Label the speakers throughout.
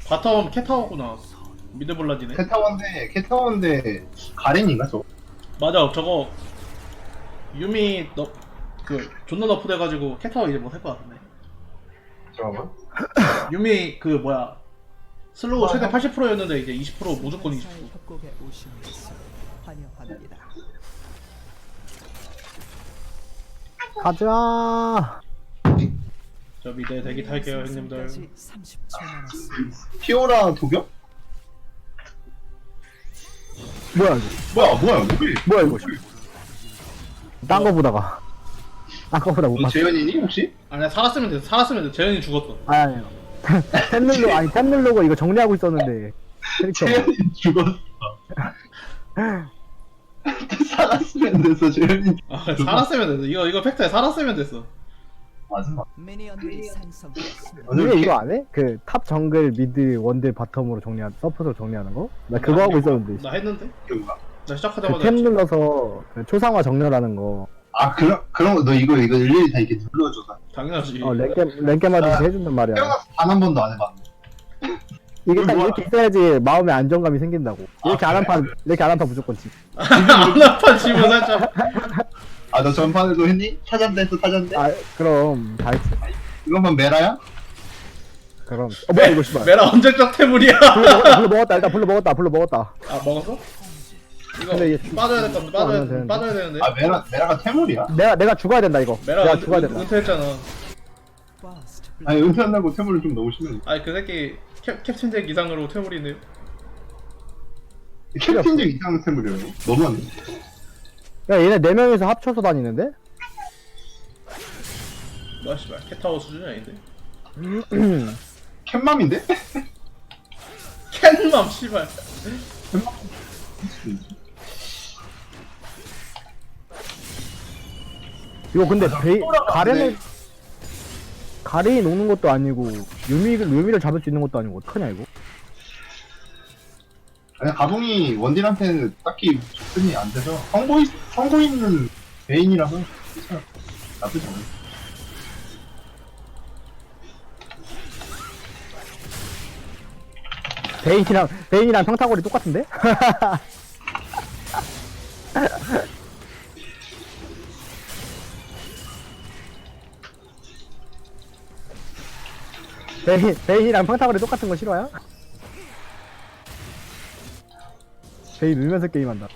Speaker 1: 바텀 캣타워구나. 미드 블라디네.
Speaker 2: 캣타워인데 가렌인가 저거?
Speaker 1: 맞아, 저거 유미 너 그 존나 너프 돼가지고 캣타워 이제 못할 것 같은데.
Speaker 2: 잠깐만.
Speaker 1: 유미 그 뭐야 슬로우 최대 80%였는데 이제 20% 무조건 20%.
Speaker 3: 협곡에 오신 것을 환영합니다.
Speaker 4: 가자.
Speaker 1: 저 미드 대기 탈게요 형님들.
Speaker 3: 30초 남았습니다.
Speaker 2: 피오라 도겸?
Speaker 4: 뭐야 이거?
Speaker 2: 뭐야 누구야?
Speaker 4: 뭐야 이거? 딴 거보다가. 딴 거보다 못
Speaker 2: 너
Speaker 4: 봤어.
Speaker 2: 재현이니 혹시?
Speaker 1: 아니야 살았으면 돼. 살았으면 돼. 재현이 죽었어.
Speaker 4: 아니. 탭 누르고 이거 정리하고 있었는데. 캐릭터.
Speaker 2: 재현이 죽었어. 살았으면 됐어 재현이.
Speaker 1: 아 살았으면 됐어. 이거 팩트에 살았으면 됐어.
Speaker 2: 맞아.
Speaker 3: 미니언들이 생성되었습니다.
Speaker 2: 맞아.
Speaker 4: 왜 이거 안 해? 그 탑 정글 미드 원딜 바텀으로 정리한 서포트로 정리하는 거? 나 그거 하고 있었는데.
Speaker 1: 나 했는데?
Speaker 2: 뭐야?
Speaker 1: 나 시작하자마자
Speaker 4: 그 탭 눌러서 그 초상화 정렬하는 거.
Speaker 2: 아 그런 거 너 이거 일일이 다 이렇게 눌러줘서.
Speaker 1: 당연하지.
Speaker 4: 랭게마다 이렇게 해준단 말이야.
Speaker 2: 태어나서 단 한 번도 안 해봤는데.
Speaker 4: 이게 딱
Speaker 2: 뭐야?
Speaker 4: 이렇게 있어야지 마음의 안정감이 생긴다고. 이렇게 안 한 판 무조건 지.
Speaker 1: 안 아파 지금 살짝.
Speaker 2: 아 너 전판에도 했니? 타잔대 했어 타잔대?
Speaker 4: 아 그럼 다 했지.
Speaker 2: 이것만 메라야?
Speaker 4: 그럼. 뭐야 이거 씨발.
Speaker 1: 메라 언제적 태물이야?
Speaker 4: 불러 먹었다. 일단 불러 먹었다.
Speaker 1: 아 먹었어? 이거
Speaker 4: 근데 이게
Speaker 1: 빠져야 될 건데
Speaker 4: 하면 되는데.
Speaker 1: 빠져야 되는데.
Speaker 2: 아 메라가 태물이야?
Speaker 4: 내가 죽어야 된다 이거.
Speaker 1: 메라
Speaker 4: 내가 죽어야 된다.
Speaker 1: 은퇴했잖아.
Speaker 3: First
Speaker 2: 아니 은퇴한다고 태물은 좀 너무 심해.
Speaker 1: 아니 그 새끼 캡틴잭 이상으로 태물이네요.
Speaker 2: 캡틴적 이상한 태물이라고? 너무하네.
Speaker 4: 야 얘네 4명이서 합쳐서 다니는데?
Speaker 1: 뭐야 씨발 캣타워 수준이 아닌데.
Speaker 2: 캣맘인데?
Speaker 1: 캣맘 씨발.
Speaker 4: 이거 근데 가렌을
Speaker 2: 네.
Speaker 4: 가렌이 녹는 것도 아니고 유미를 잡을 수 있는 것도 아니고 어떡하냐 이거?
Speaker 2: 아니 가봉이 원딜한테는 딱히 접근이 안 돼서 성고 있는 베인이라서 괜찮아. 나쁘지 않아.
Speaker 4: 베인이랑 평타거리 똑같은데? 베인이랑 평타거리 똑같은 거 싫어요? 베인 울면서 게임한다.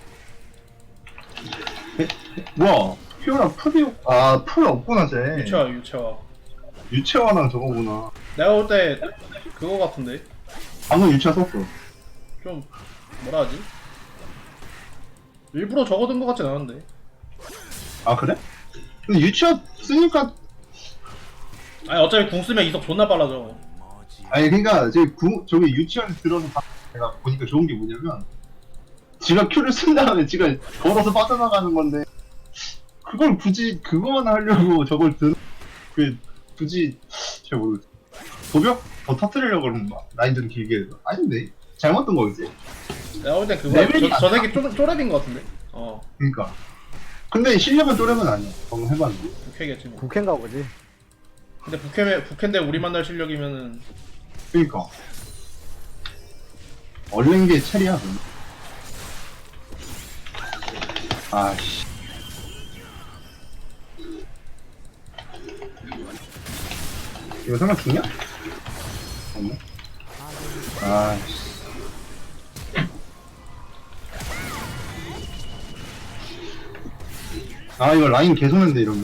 Speaker 2: 뭐야? 피오라 풀 없구나 쟤.
Speaker 1: 유채화.
Speaker 2: 유채화랑 저거구나.
Speaker 1: 내가 볼 때 그거 같은데.
Speaker 2: 방금 유채화 썼어.
Speaker 1: 좀 뭐라 하지? 일부러 적어둔 것 같진 않은데.
Speaker 2: 아 그래? 근데 유채화 쓰니까
Speaker 1: 아니 어차피 궁 쓰면 이속 존나 빨라져.
Speaker 2: 아니 그러니까 저기 유치원 들어서 내가 보니까 좋은 게 뭐냐면 지가 큐를 쓴 다음에 지가 걸어서 빠져나가는 건데 그걸 굳이 그거만 하려고 저걸 굳이 잘 모르겠어. 도벽 더 터뜨리려고 그러는 거야. 라인 좀 길게 해서. 아닌데 잘못 든 거겠지?
Speaker 1: 내가 볼 때 그거
Speaker 2: 레벨이
Speaker 1: 저 새끼 쪼렙인 것 같은데.
Speaker 2: 그러니까. 근데 실력은 또래는 아니야. 방금 해봤는데.
Speaker 1: 부캐겠지 뭐.
Speaker 4: 국회인가 보지.
Speaker 1: 근데 부캐인데 우리 만날 실력이면은
Speaker 2: 그러니까. 얼른 게 체리야. 그럼. 아씨. 이거 설마 죽냐? 없네. 아씨. 아 이거 라인 개소는데 이러면.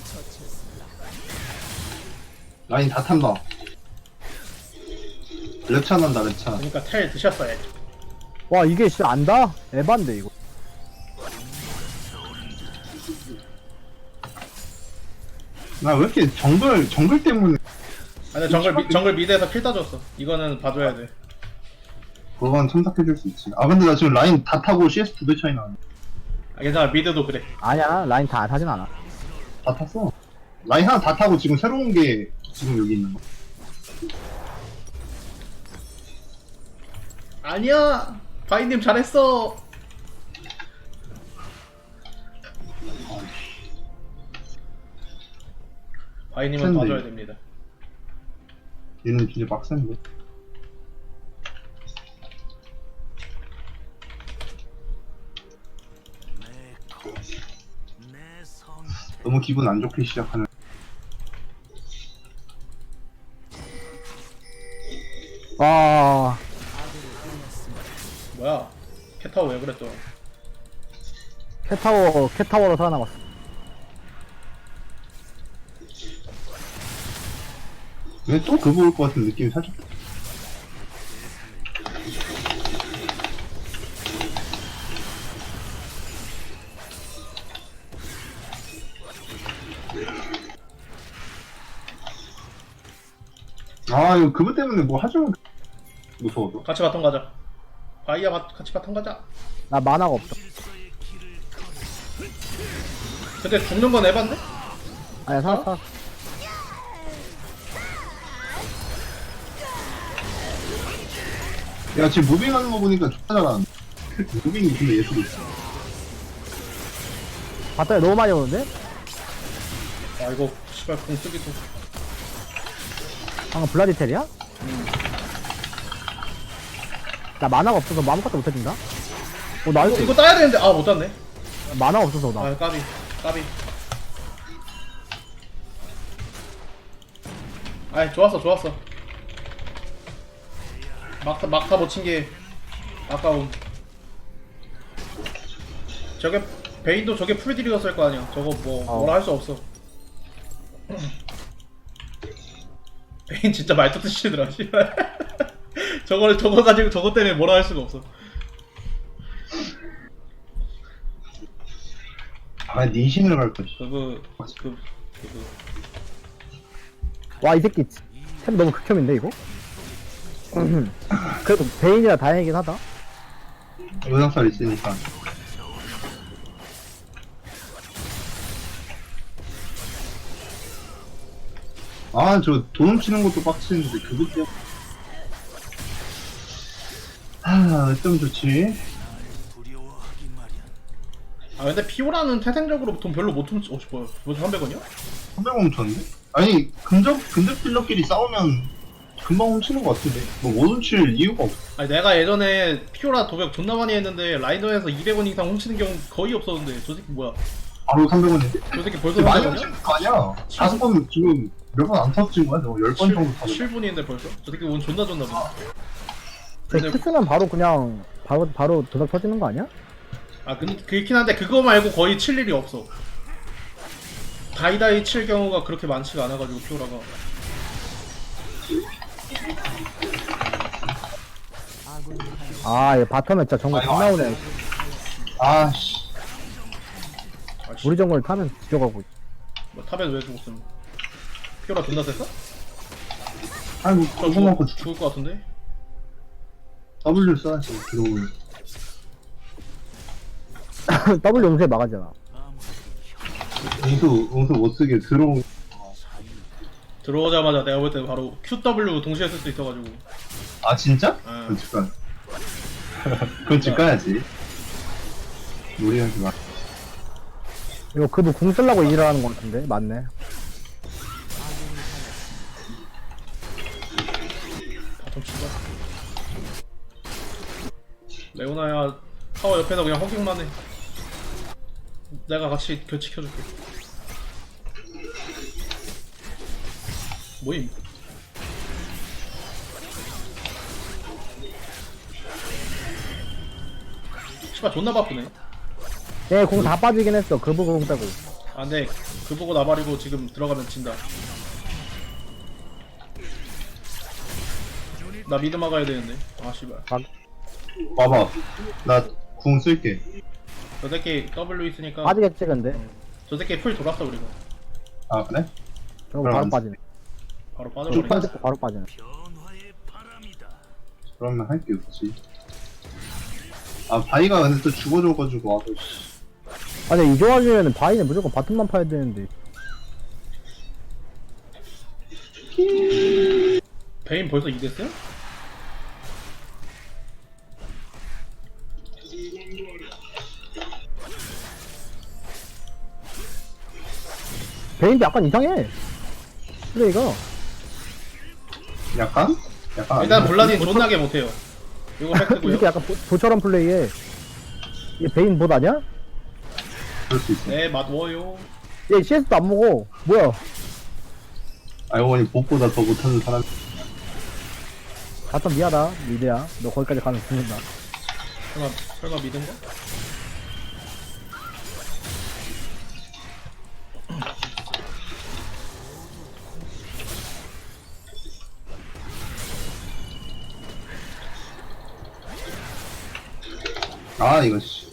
Speaker 2: 라인 다 탄다. 랩차 난다 랩차.
Speaker 1: 그러니까 텔 드셨어야지.
Speaker 4: 와 이게 진짜 안다? 에반데 이거.
Speaker 2: 나 왜 이렇게 정글 때문에
Speaker 1: 아니 정글 미드에서 킬 따줬어. 이거는 봐줘야 돼.
Speaker 2: 그건 첨삭해줄 수 있지. 아 근데 나 지금 라인 다 타고 CS 2배 차이 나네.
Speaker 1: 아 괜찮아 미드도 그래.
Speaker 4: 아니야 라인 다 타진 않아.
Speaker 2: 다 탔어. 라인 하나 다 타고 지금 새로운 게 지금 여기 있는 거.
Speaker 1: 아니야 바이님 잘했어. 바이님은
Speaker 2: 빡센데.
Speaker 1: 봐줘야 됩니다.
Speaker 2: 얘는 진짜 빡센데. 너무 기분 안 좋게 시작하는.
Speaker 4: 아,
Speaker 1: 뭐야? 캣타워 왜 그랬어?
Speaker 4: 캣타워로 살아남았어.
Speaker 2: 왜 또 그거 올 것 같은 느낌이 살짝. 아, 이거 그거 때문에 뭐 하자면 무서워서.
Speaker 1: 같이 바텀 가자. 바이야 같이 바텀 가자.
Speaker 4: 나 만화가 없어.
Speaker 1: 근데 죽는 건 에반데?
Speaker 4: 아니야, 살았어.
Speaker 2: 야, 지금 무빙하는 거 보니까 좋다 잘하는데. 무빙이 근데 예술이야.
Speaker 4: 바텀에 너무 많이 오는데?
Speaker 1: 아 이거 씨발 공 쓰기도.
Speaker 4: 방금 블라디텔이야? 나 만화가 없어서 뭐 아무것도 못해준다? 나이스.
Speaker 1: 이거 따야 되는데 아 못 땄네.
Speaker 4: 만화가 없어서 나.
Speaker 1: 아 까비 까비. 아이 좋았어 좋았어. 막타 못 친 게 아까움. 저게 베인도 저게 풀딜이었을 거 아니야. 저거 뭐 뭐라 할 수 없어. 베인 진짜 말도 쓰시더라. 씨발. 저거 가지고 저거 때문에 뭐라 할 수가 없어.
Speaker 2: 아, 니신을 갈 거지.
Speaker 1: 그거.
Speaker 4: 와, 이 새끼 템 너무 극혐인데 이거? 그래도 베인이라 다행이긴 하다.
Speaker 2: 영상살 있으니까. 아, 저 돈 훔치는 것도 빡치는데 그것 때문에. 아, 어쩜 좋지?
Speaker 1: 아 근데 피오라는 태생적으로 돈 별로 못 훔치. 뭐야? 300원이야?
Speaker 2: 300원 훔쳤는데? 아니, 근접 딜러끼리 싸우면 금방 훔치는 것 같은데? 뭐 못 훔칠 이유가 없어.
Speaker 1: 아니 내가 예전에 피오라 도벽 존나 많이 했는데 라인더에서 200원 이상 훔치는 경우 거의 없었는데 저 새끼 뭐야?
Speaker 2: 바로 300원인데?
Speaker 1: 저 새끼 벌써
Speaker 2: 많이
Speaker 1: 300원이야?
Speaker 2: 훔치는 거 아니야? 5번 지금 몇 번 안 터진 거야? 저 10번 정도 터졌어.
Speaker 1: 7분인데 벌써? 저 새끼 운 존나 보네.
Speaker 4: 제 키스는 바로 그냥 바로 도닥 터지는 거 아니야?
Speaker 1: 아 그렇긴 한데 그거 말고 거의 칠 일이 없어. 다이다이 칠 경우가 그렇게 많지가 않아가지고 피오라가.
Speaker 3: 아군이
Speaker 4: 아, 얘 바텀에 진짜 정글 다 나오네.
Speaker 2: 아씨.
Speaker 1: 아씨,
Speaker 4: 우리 정글 타면 뒤져가고 있어.
Speaker 1: 뭐 탑에서 왜 죽었음? 피오라 존나 셌어?
Speaker 2: 아이고,
Speaker 1: 저
Speaker 2: 그거 먹고
Speaker 1: 죽을 것 같은데?
Speaker 2: W 써야지, 들어오면.
Speaker 4: W 용세 막아잖아.
Speaker 2: 응수 못 쓰게 들어오면.
Speaker 1: 들어오자마자 내가 볼 때 바로 QW 동시에 쓸 수 있어가지고.
Speaker 2: 아, 진짜?
Speaker 1: 아.
Speaker 2: 그건 집 가. 그건 집 가야지. 무리하지 마.
Speaker 4: 이거 그도 궁 쓰려고 일하는 거 같은데? 맞네.
Speaker 1: 바텀 치자. 레오나야 타워 옆에서 그냥 허깅만 해. 내가 같이 교치켜줄게. 뭐임? 씨발 존나 바쁘네.
Speaker 4: 얘 공 다 빠지긴 했어. 그 부분 공 빼고.
Speaker 1: 아 근데 그 보고 나발이고 지금 들어가면 진다. 나 미드 막아야 되는데. 아 씨발.
Speaker 2: 봐봐. 나 궁 쓸게.
Speaker 1: 저 새끼 W 있으니까.
Speaker 4: 빠지겠지 근데.
Speaker 1: 저 새끼 풀 돌았어 우리가.
Speaker 2: 아, 그래?
Speaker 4: 저거
Speaker 2: 그럼
Speaker 4: 바로
Speaker 2: 안
Speaker 4: 빠지네.
Speaker 1: 바로
Speaker 2: 쭉
Speaker 1: 빠져버리네.
Speaker 2: 빠져.
Speaker 4: 바로 빠지네.
Speaker 2: 그러면 할 게 없지. 아, 바이가 근데 또 죽어줘가지고, 아, 씨.
Speaker 4: 아니 이 조합이면은 바이는 무조건 바텀만 파야 되는데.
Speaker 1: 베인 벌써 2됐어요?
Speaker 4: 베인도 약간 이상해. 플레이가.
Speaker 2: 약간? 약간.
Speaker 1: 일단
Speaker 2: 아니야?
Speaker 1: 블라딘 존나게 못해요. 이거 팩트고요.
Speaker 4: 이렇게 약간 보처럼 플레이해. 이게 베인 봇 아니야?
Speaker 2: 그럴 수 있어.
Speaker 1: 네, 맞워요.
Speaker 4: 얘 CS도 안 먹어. 뭐야?
Speaker 2: 알고 보니 봇보다 더 못하는 사람.
Speaker 4: 바텀 미하다. 미드야. 너 거기까지 가면 죽는다.
Speaker 1: 설마 믿은 거?
Speaker 2: 아 이거 씨.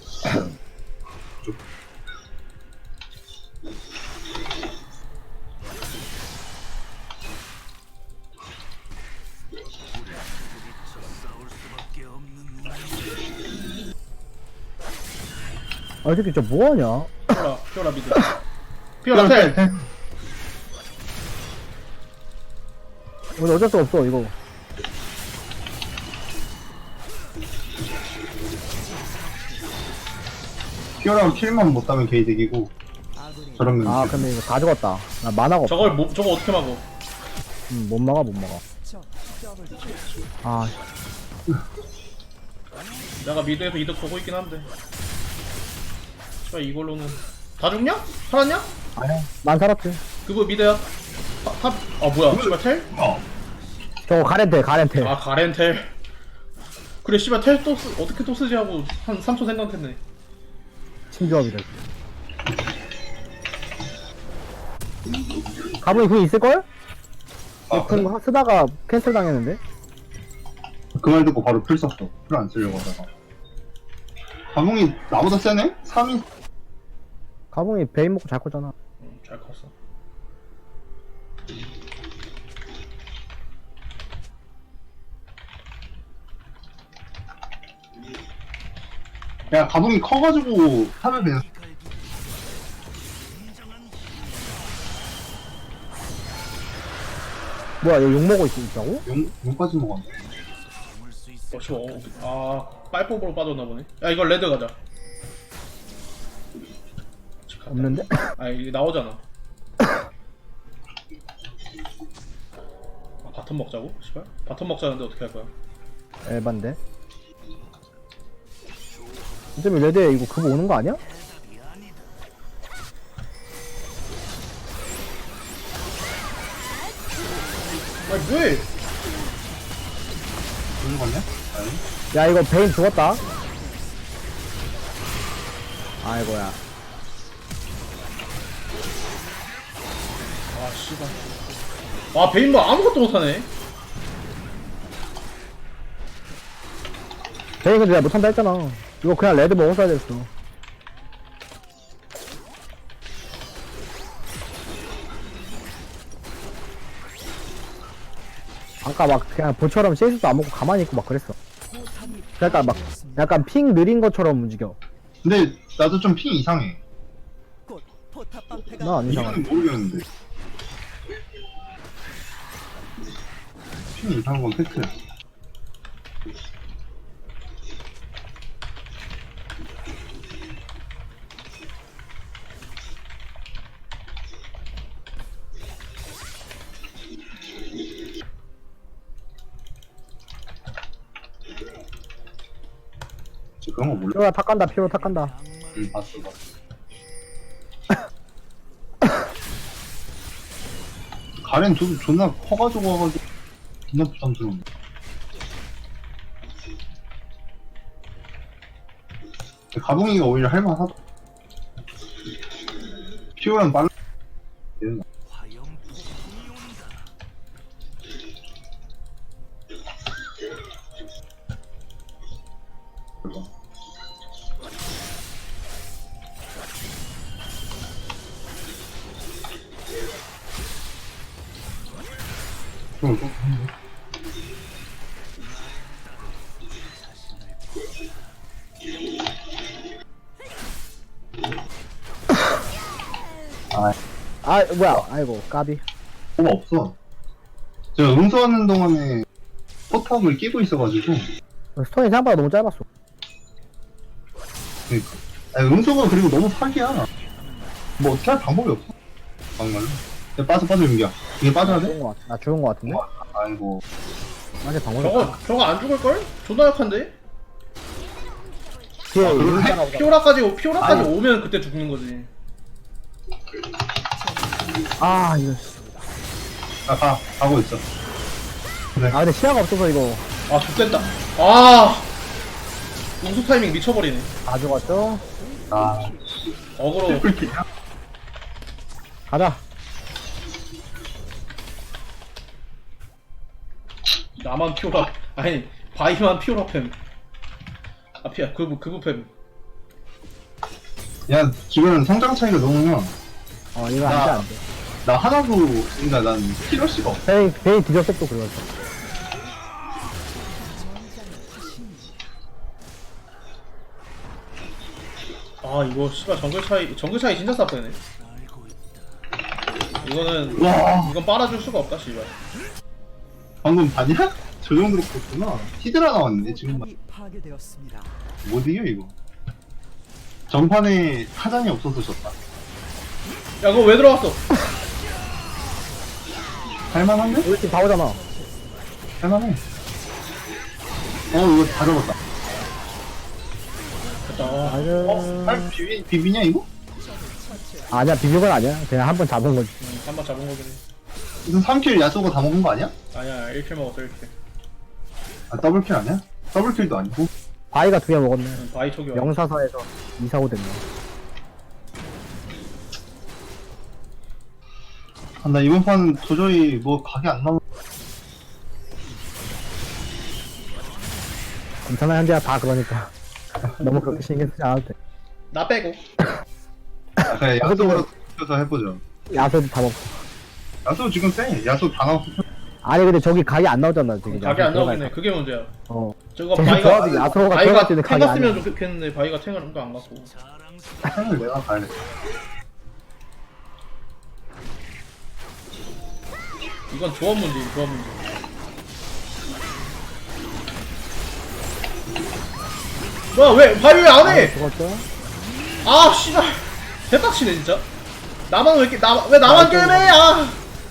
Speaker 4: 아, 이 새끼 진짜 뭐하냐?
Speaker 1: 피오라 미드. 피오라 텔.
Speaker 4: 근데 어쩔 수 없어, 이거.
Speaker 2: 피어랑 킬만 못 따면 개이득이고
Speaker 3: 아군이
Speaker 2: 저런 면.
Speaker 4: 아, 근데 이거 다 죽었다. 나 만화가 없어.
Speaker 1: 저거 어떻게 막어?
Speaker 4: 못 막아, 못 막아.
Speaker 3: 적 더블 킬.
Speaker 4: 아,
Speaker 1: 내가 미드에서 이득 보고 있긴 한데. 씨발 이걸로는 다 죽냐? 살았냐?
Speaker 4: 아니야. 난 살았지.
Speaker 1: 그거 미드야. 탑. 아 뭐야? 씨발 텔?
Speaker 4: 저거 가렌텔.
Speaker 1: 아 가렌 텔. 그래 씨발 텔 또 어떻게 또 쓰지 하고 한 3초 생각했네.
Speaker 4: 친조합이래. 가문이 그게 있을걸?
Speaker 2: 아, 그래?
Speaker 4: 그럼 쓰다가 캔슬 당했는데?
Speaker 2: 그 말 듣고 바로 풀 썼어. 풀 안 쓰려고 하다가. 가몽이 나보다 세네? 3인.
Speaker 4: 가봉이 베인 먹고 잘 컸잖아.
Speaker 1: 잘 컸어.
Speaker 2: 야 가봉이 커가지고 하면 되는.
Speaker 4: 뭐야, 얘 욕먹고 있다고?
Speaker 2: 용까지 먹었네.
Speaker 1: 아 빨법으로 빠졌나 보네. 야 이거 레드 가자.
Speaker 4: 없는데?
Speaker 1: 아 이게 나오잖아. 아, 바텀 먹자고? 씨발? 바텀 먹자는데 어떻게 할 거야?
Speaker 4: 에반데? 어차피 레드에 이거 그거 오는 거 아니야?
Speaker 1: 아니 뭐해?
Speaker 2: 그런 거 아니야? 아니.
Speaker 4: 야, 이거 베인 죽었다. 아이고야.
Speaker 1: 아 씨발. 아 베인 뭐 아무것도 못하네.
Speaker 4: 베인 근데 내가 못한다 했잖아. 이거 그냥 레드 먹었어야 됐어. 아까 막 그냥 보처럼 CS도 안 먹고 가만히 있고 막 그랬어.
Speaker 3: 포탑이
Speaker 4: 약간 막 약간 핑 느린 것처럼 움직여.
Speaker 2: 근데 나도 좀 핑 이상해.
Speaker 3: 곧 포탑 방패가
Speaker 4: 나 안 이상해.
Speaker 2: 이유는 모르겠는데. 핑 이상한 건 팩트야. 그런 거 몰라?
Speaker 4: 피로가 탁 간다. 피로 탁 간다.
Speaker 2: 응, 봤어, 봤어. 가렌 저도 존나 커가지고 와가지고 존나 부담스러운데. 가봉이가 오히려 할만하다. 피오는 빨라. 되는 거.
Speaker 4: 아, 뭐야. 아이고, 까비.
Speaker 2: 뭐가 없어. 제가 응수하는 동안에 포탑을 끼고 있어가지고.
Speaker 4: 스톤이 생각보다 너무 짧았어.
Speaker 2: 그러니까. 아니, 응수가 그리고 너무 사기야. 뭐 어떻게 할 방법이 없어. 정말로. 야, 빠져 윤기야. 이게 빠져야 돼?
Speaker 4: 죽은 거 같아. 나 죽은 거 같은데?
Speaker 2: 아이고.
Speaker 4: 맞아, 방법이 없어.
Speaker 1: 저거 안 죽을걸? 존나 약한데?
Speaker 4: 뒤에
Speaker 2: 그러네?
Speaker 4: 이거 있잖아, 보자.
Speaker 1: 피오라까지
Speaker 2: 아니.
Speaker 1: 오면 그때 죽는 거지.
Speaker 4: 아 이거
Speaker 2: 가고 있어.
Speaker 4: 아 근데 시야가 없어서 이거
Speaker 1: 아 X됐다. 아 우수 타이밍 미쳐버리네.
Speaker 4: 다 죽었죠?
Speaker 2: 아,
Speaker 1: 어그로.
Speaker 2: 트리플킬이야?
Speaker 4: 가자.
Speaker 1: 나만 피오라. 아니 바이만 피오라 팸. 아 피야 그부 팸.
Speaker 2: 야, 지금 성장 차이가 너무
Speaker 4: 이거 안돼 안돼.
Speaker 2: 나 하나도, 그러니까 난 키러시가 없어.
Speaker 4: 베인 뒤졌어 또 그거였어.
Speaker 1: 아 이거 씨발 정글 차이 진짜 쌉되네. 이거는
Speaker 2: 와,
Speaker 1: 이건 빨아줄 수가 없다 씨발.
Speaker 2: 방금 봤냐? 저 정도로 컸구나. 히드라 나왔네, 지금.
Speaker 3: 포탑이 파괴되었습니다.
Speaker 2: 못 이겨, 이거. 전판에 타잔이 없어서 졌다.
Speaker 1: 야 그거 왜 들어갔어?
Speaker 2: 할만한데?
Speaker 4: 우리 팀 다 오잖아.
Speaker 2: 할만해. 이거 다 잡았다.
Speaker 1: 됐다.
Speaker 4: 아유.
Speaker 2: 비비냐, 이거?
Speaker 4: 아니야 비빌 건 아니야. 그냥 한 번 잡은 거지.
Speaker 1: 한번 잡은 거긴 해.
Speaker 2: 무슨 3킬 야쏘고 다 먹은 거 아니야?
Speaker 1: 아니야 1킬 먹었어 1킬.
Speaker 2: 아, 더블킬 아니야? 더블킬도 아니고.
Speaker 4: 바위가 2개 먹었네.
Speaker 1: 바이 촉이야.
Speaker 4: 영사서에서 245 됐네.
Speaker 2: 아, 나 이번 판은 도저히 뭐 각이 안 나오.
Speaker 4: 괜찮아 현재야 다 그러니까. 너무 그렇게 신경 쓰지 않아도 돼.
Speaker 1: 나 빼고.
Speaker 2: 아, 그래, 야쏘로 서 해보죠.
Speaker 4: 야소도 다 먹고.
Speaker 2: 야쏘 지금 쎄. 야쏘 다 나왔어.
Speaker 4: 아니 근데 저기 각이 안 나오잖아 지금.
Speaker 1: 각이 안
Speaker 4: 야소
Speaker 1: 나오긴 해.
Speaker 4: 들어갈
Speaker 1: 그게 문제야.
Speaker 4: 거. 어.
Speaker 1: 저거
Speaker 4: 저기
Speaker 1: 바이가
Speaker 4: 조합이 야소가
Speaker 1: 바이가
Speaker 4: 들어갈 때는
Speaker 1: 탱
Speaker 4: 각이
Speaker 1: 갔으면
Speaker 4: 아니야.
Speaker 1: 좋겠는데 바이가 탱을 뭔가 안 갔고.
Speaker 2: 탱을 내가 가야겠다.
Speaker 1: 이건 조합 문제 조합 문제. 뭐야 왜 바이 왜 안 해?
Speaker 4: 죽었죠?
Speaker 1: 아 씨발 개빡치네 진짜. 나만 왜 이렇게 왜 나만 게임해? 아.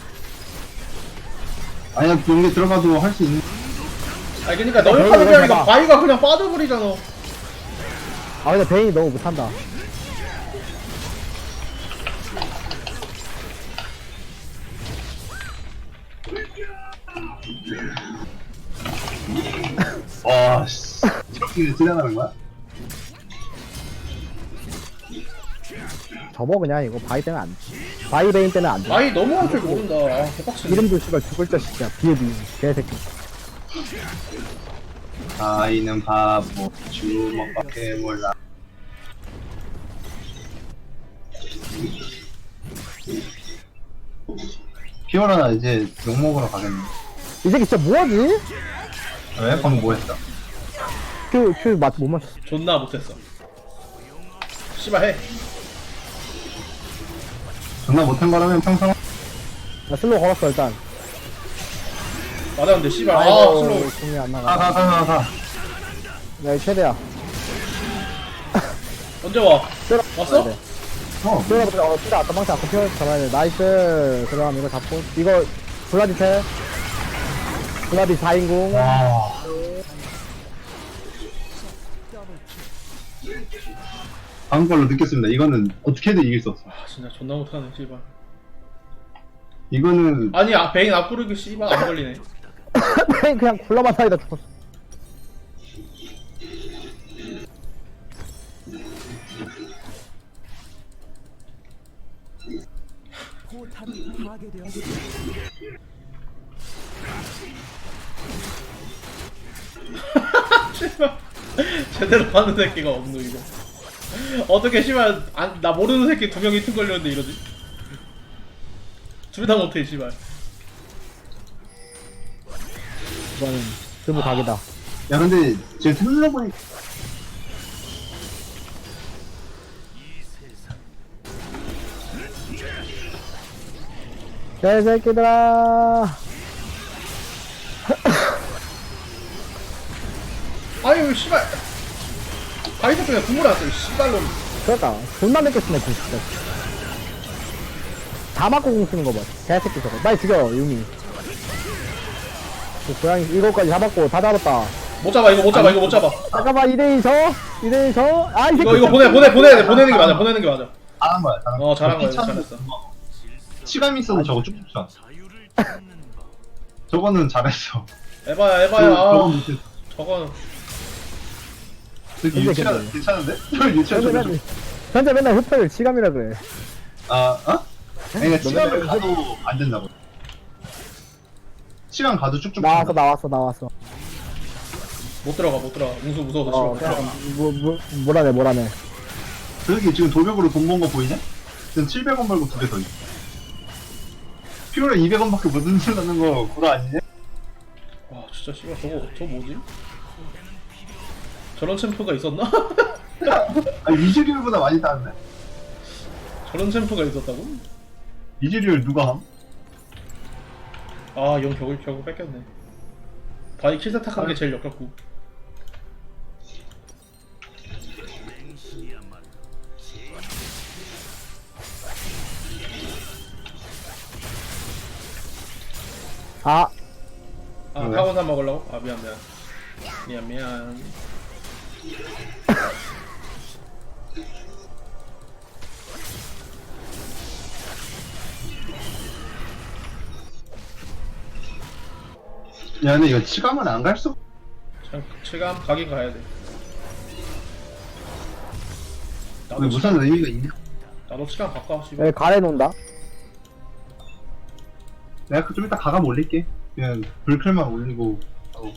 Speaker 2: 아니야, 용기 들어가도 할 수 있는.
Speaker 1: 아니 그러니까 너희 파는 게 아니라
Speaker 4: 해봐.
Speaker 1: 바이가 그냥 빠져버리잖아.
Speaker 4: 아 근데 베인이 너무 못한다.
Speaker 2: 와, 씨. 저기 지나가는 거야?
Speaker 4: 접어 그냥 이거 바위 때는 안 돼. 바위 베인 때는 안 돼.
Speaker 1: 바이 너무 할 줄 모른다. 아 개빡치네.
Speaker 4: 이름도 씨발 죽을 자식이야. 비에비 개새끼.
Speaker 2: 아이는 바보, 주먹밖에 몰라. 피오라 이제 욕 먹으러 가겠네.
Speaker 4: 이 새끼 진짜 뭐하지?
Speaker 2: 왜? 방금 뭐 했어?
Speaker 4: 못 마셨어.
Speaker 1: 존나 못했어. 씨발 해.
Speaker 2: 존나 못한 거라면 평생.
Speaker 4: 나 슬로우 걸었어 일단.
Speaker 1: 맞았는데 씨발. 아
Speaker 4: 아이고
Speaker 1: 슬로우.
Speaker 4: 공이 안 나가.
Speaker 2: 가.
Speaker 4: 야 이거 최대야.
Speaker 1: 언제 와?
Speaker 4: 때려.
Speaker 1: 왔어?
Speaker 4: 네.
Speaker 2: 어,
Speaker 4: 피다 아까 방치 아까 피어 잡아야 돼. 나이스. 그다음 이거 잡고 이거 블라디 태. 블라디 4인궁.
Speaker 2: 와. 방금 걸로 느꼈습니다. 이거는 어떻게든 이길 수 없어.
Speaker 1: 아 진짜 존나 못하네 씨발.
Speaker 2: 이거는
Speaker 1: 아니 베인 앞구르기 씨발 안 걸리네.
Speaker 4: 그냥 굴러만 사이다 죽었어.
Speaker 3: 포탑이 파괴되었습니다.
Speaker 1: 씨발 제대로 하는 새끼가 없노 이거. 어떻게 씨발 나 모르는 새끼 2명이 틈 걸렸는데 이러지? 둘 다 못해 씨발.
Speaker 4: 이거는 드부 각이다.
Speaker 2: 야 근데 제가 생각해보니까
Speaker 4: 개새끼들아.
Speaker 1: 아유 씨발. 바이도 그냥 국물 안 써. 씨발로.
Speaker 4: 그러니까 존나 맵겠으네 진짜. 다 맞고 공 쓰는 거 봐. 개새끼 저거. 빨리 죽여 유미. 그 고양이 이거까지 잡았고 다 잡았다.
Speaker 1: 못 잡아 이거 못 잡아 이거 못 잡아.
Speaker 4: 잠깐만 2대2 저. 2대2 저. 아이 새끼.
Speaker 1: 이거 보내야 돼 보내는 게 맞아 보내는 게 맞아.
Speaker 2: 잘한 거야.
Speaker 1: 어 잘한 거야
Speaker 2: 피차는
Speaker 1: 잘했어.
Speaker 2: 치감이 있어도 저거 쭉쭉 쏴. 저거는 잘했어.
Speaker 1: 에바야
Speaker 2: 저건
Speaker 1: 아
Speaker 2: 못했어.
Speaker 1: 저거
Speaker 2: 저기
Speaker 4: 근데
Speaker 2: 유치원
Speaker 4: 근데.
Speaker 2: 괜찮은데? 저 유치원
Speaker 4: 현재
Speaker 2: 좀.
Speaker 4: 맨날 현재 맨날 흡혈 치감이라 그래.
Speaker 2: 아, 어? 그러니까 치감을
Speaker 4: 맨날
Speaker 2: 가도 안 된다고. 치감 가도 쭉쭉.
Speaker 4: 나왔어.
Speaker 1: 못 들어가 웅수 무서워서
Speaker 4: 어,
Speaker 1: 싫어.
Speaker 4: 그냥 뭐라네.
Speaker 2: 저기 지금 도벽으로 돈 번 거 보이냐? 지금 700원 벌고 2개 더 있어. 피오라 200원밖에 못 흔들라는 거 구라 아니냐?
Speaker 1: 와 진짜 씨발 저거 뭐지? 저런 챔프가 있었나?
Speaker 2: 아, 이즈리얼보다 많이 따는데?
Speaker 1: 저런 챔프가 있었다고?
Speaker 2: 이즈리얼 누가 함?
Speaker 1: 아영 결국 뺏겼네. 바이 킬세탁한 게 제일 역겹고.
Speaker 4: 아,
Speaker 1: 아
Speaker 2: 왜?
Speaker 1: 타곤산 먹으려고? 아 미안.
Speaker 2: 야, 근데 이거 치감은 안 갈 수.
Speaker 1: 참 체감 가긴 가야 돼.
Speaker 2: 왜 무슨 의미가 있냐?
Speaker 1: 나도 시간 바꿔 씨발.
Speaker 4: 여기 가래 놓는다.
Speaker 2: 내가 좀 이따 가감 올릴게. 그냥 불클만 올리고. 어.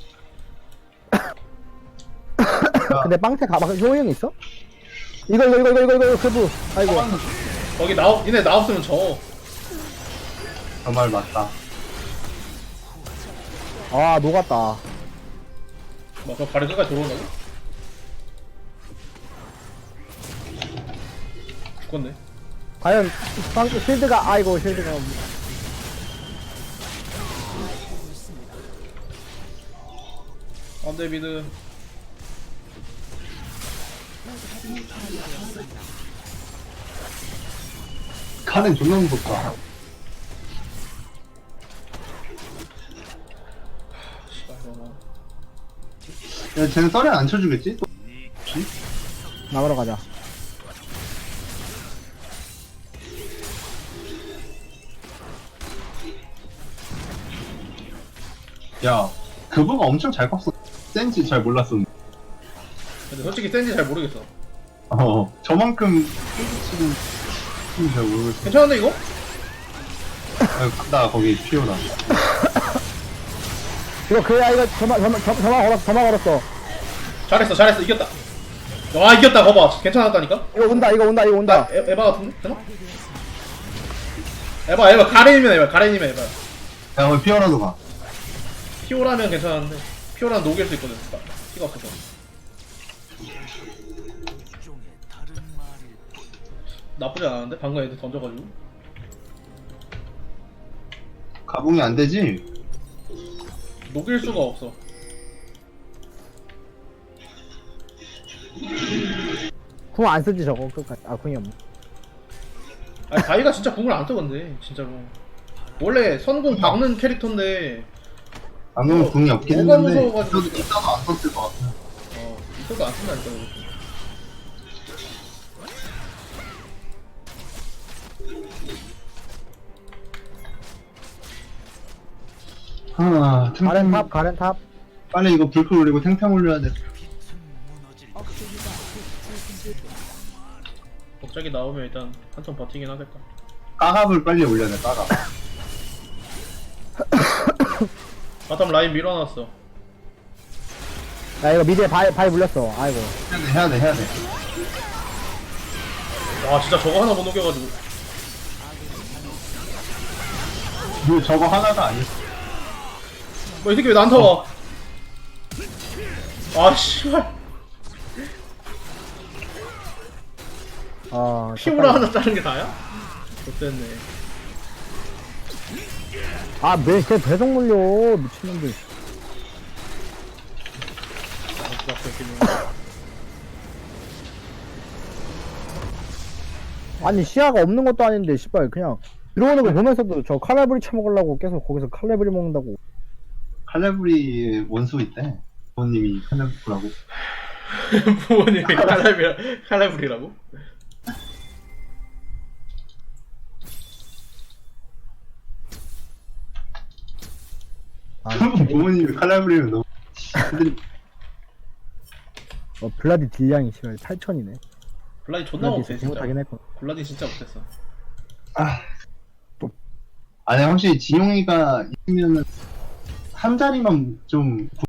Speaker 4: 근데 빵태 가방 효용 있어? 이거 그부. 아이고.
Speaker 1: 거기 니네 나 없으면 져.
Speaker 2: 정말 맞다.
Speaker 4: 아, 녹았다.
Speaker 1: 뭐 그럼 발이 끝까지 들어온다고? 죽겠네.
Speaker 4: 과연 실드가 아이고 실드가
Speaker 1: 안돼 미드.
Speaker 2: 카는 존나 무섭다.
Speaker 1: 씨발 너무.
Speaker 2: 야, 쟤는 썰에 안 쳐주겠지? 또?
Speaker 4: 나가러 가자.
Speaker 2: 야, 그거가 엄청 잘 컸어. 센지 잘 몰랐었는데.
Speaker 1: 근데 솔직히 센지 잘 모르겠어.
Speaker 2: 저만큼 지금 잘 모르겠어.
Speaker 1: 괜찮은데 이거?
Speaker 2: 나 거기 피오라.
Speaker 4: 이거 그야 이거 저만 걸었어.
Speaker 1: 잘했어 이겼다. 와 이겼다 거봐 괜찮았다니까?
Speaker 4: 이거 온다.
Speaker 1: 나 에바 같은데? 되나? 에바 가렌이면 에바.
Speaker 2: 야, 거기 피오라도 가.
Speaker 1: 피오라면 괜찮은데 피오라는 녹일 수 있거든. 피가 없어서. 나쁘지 않았는데? 방금 애들 던져가지고.
Speaker 2: 가봉이 안 되지?
Speaker 1: 녹일 수가 없어.
Speaker 4: 궁 안 쓰지 저거 끝까지. 아 궁이 없네.
Speaker 1: 아니 바이가 진짜 궁을 안 뜨건데 진짜로. 원래 선궁 박는 캐릭터인데
Speaker 2: 방금은 궁이 없긴
Speaker 1: 뭐가
Speaker 2: 했는데
Speaker 1: 무서워가지고.
Speaker 2: 이따도 안 썼을 것 같아.
Speaker 1: 이것도 안 쓴다니까 이거.
Speaker 4: 가렌 탑.
Speaker 2: 빨리 이거 불클 올리고 탱탱 올려야 돼.
Speaker 1: 갑자기 나오면 일단 한 턴 버티긴 하겠다.
Speaker 2: 까갑을 빨리 올려야 돼, 까갑.
Speaker 1: 바텀 라인 밀어놨어.
Speaker 4: 야 이거 미드에 바위 물렸어. 아이고.
Speaker 2: 해야 돼.
Speaker 1: 와 진짜 저거 하나 못 녹여가지고.
Speaker 2: 이거 저거 하나가 아니었어.
Speaker 1: 뭐 이 새끼 왜 나한테 와? 아 씨발. 피오라 하나 자른 게 다야? 좋됐네.
Speaker 4: 걔 배송 물려 미친놈들. 아니 시야가 없는 것도 아닌데 씨발 그냥 들어오는 거 보면서도 저 칼라브리 처먹으려고 계속 거기서 칼라브리 먹는다고.
Speaker 2: 칼레브리 원수 있대. 부모님이 칼레브라고.
Speaker 1: 부모님이 칼라브리라고?
Speaker 2: 부모님이 칼날 부리면 너무 근데
Speaker 4: 블라디 딜량이 심해 8천이네.
Speaker 1: 블라디 존나 못해 진짜.
Speaker 4: 못하긴 했고.
Speaker 1: 블라디 진짜 못했어.
Speaker 2: 아니 확실히 지용이가 있으면은 한 자리만 좀